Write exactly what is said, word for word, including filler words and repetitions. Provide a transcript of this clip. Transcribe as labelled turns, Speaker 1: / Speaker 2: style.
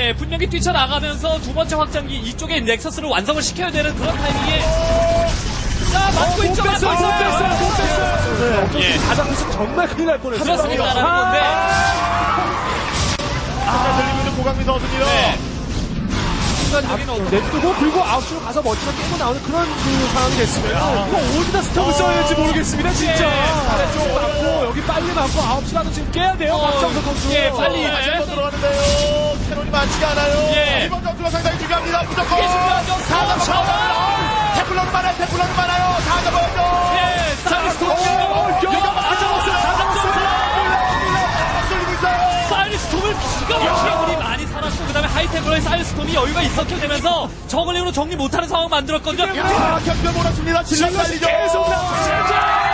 Speaker 1: 예, 분명히 뛰쳐나가면서 두 번째 확장기 이쪽에 넥서스를 완성을 시켜야 되는 그런 타이밍에 자, 맞고 있죠, 맞고 있어요.
Speaker 2: 못 뺐어요, 못 뺐어요.
Speaker 1: 예.
Speaker 2: 가장 컸으면 정말 큰일 날 뻔했어요.
Speaker 1: 그렇습니다라는
Speaker 2: 아,
Speaker 1: 건데.
Speaker 3: 아, 들리고 있는 고강민 선수입니다.
Speaker 1: 네. 순간적인 어떤
Speaker 2: 냅두고 그리고 아웃으로 가서 멋지게 깨고 나오는 그런 그 상황이 됐으면 이거 어디다 스톱을 써야 될지 모르겠습니다, 진짜. 아래쪽 맞고 여기 빨리 맞고 아홉 시라도 지금 깨야 돼요,
Speaker 1: 어,
Speaker 2: 박정석 선수.
Speaker 1: 예, 빨리.
Speaker 3: 다시 한번 들어가는데요. 캐논이 많지가 않아요.
Speaker 1: 예.
Speaker 3: 이번 점수가 상당히 중요합니다. 무조건.
Speaker 1: 이게 중요하죠.
Speaker 3: 사 점
Speaker 1: 사 점
Speaker 3: 사. 태플러는 많아요. 태플러는 많아요. 사 점 오죠.
Speaker 1: 예, 사이리스톰.
Speaker 2: 이거 맞아봤어요, 맞아봤어요.
Speaker 3: 돌리고 있어요.
Speaker 1: 사이리스톰을 기가 막히게 우리 많이 살았고, 그 다음에 하이템으로의 사이리스톰이 여유가 있었게 되면서 저글링으로 정리 못하는 상황 만들었거든요.
Speaker 3: 야, 경기를 몰았습니다. 질러
Speaker 2: 질럿이
Speaker 3: 살리죠.
Speaker 2: 계속 나오고